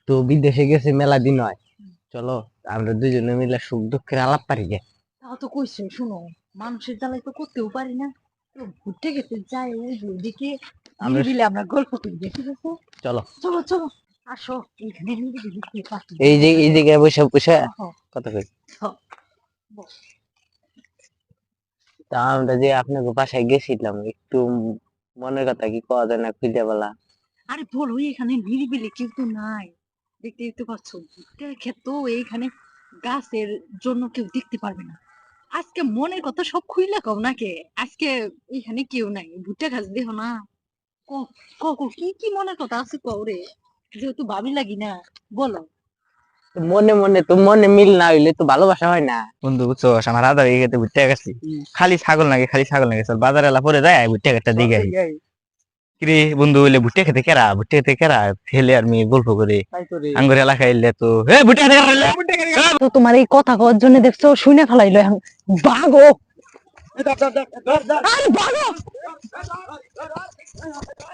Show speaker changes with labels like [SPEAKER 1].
[SPEAKER 1] তো বিদেশে গেছে মেলা দিন হয়, চলো আমরা দুজনে মিলে সুখ দুঃখের আলাপ পারি গে।
[SPEAKER 2] তাও তো কইছে, শুনো, মানুষের জ্বালাই তো করতেও পারি না, তো ঘুরতে গেতে যাই ওই যে ওদিকে
[SPEAKER 1] আমরা
[SPEAKER 2] নিরিবিলি আমরা গল্প করি, ঠিক আছে?
[SPEAKER 1] চলো
[SPEAKER 2] চলো চলো, আসো, এখানে নিরিবিলি পাখি
[SPEAKER 1] এই যে এই জায়গায় বসে বসে কথা কই।
[SPEAKER 2] বস।
[SPEAKER 1] তা আমরা যে আপনাকে বাসায় গেছিলাম, একটু মনের কথা কি কওয়া যায় না খুঁজে বলা?
[SPEAKER 2] আরে বলো, এখানে নিরিবিলি কেউ তো নাই, দেখতেই তো পাচ্ছ, ভুট্টার ক্ষেত এইখানে, গাছের জন্য কেউ দেখতে পারবে না। আজকে মনের কথা সব খুইলা কও নাকে, আজকে এখানে কেউ নাই, ভুট্টা গাছ দেহ না, ক ক ক, কি কি মনের কথা আছে কও রে, যেহেতু ভাবি লাগি না, বলো।
[SPEAKER 1] তো মনে মনে তো মনে মিল না হইলে তো ভালোবাসা হয় না।
[SPEAKER 3] বন্ধু বুঝছো, আমার আদা হয়ে গেছে, ঘুরতে গেছি, খালি ছাগল নাকি, খালি ছাগল নাকি, চল বাজারে এলা পরে যায় ভুট্টা খেতে দিকে আই। কিরে বন্ধু, হইলে ভুট্টা খেতে কেরা, ভুট্টা খেতে কেরা, ছেলে আর মেয়ে গল্প করে আঙ্গুর এলাকায় এলে তো হে ভুট্টা খেতে কেরা, ভুট্টা খেতে কেরা।
[SPEAKER 2] তো তোমার এই কথা কওয়ার জন্য দেখছো শুনে ফেলাইলো এখন, ভাগো, আরে ভাগো।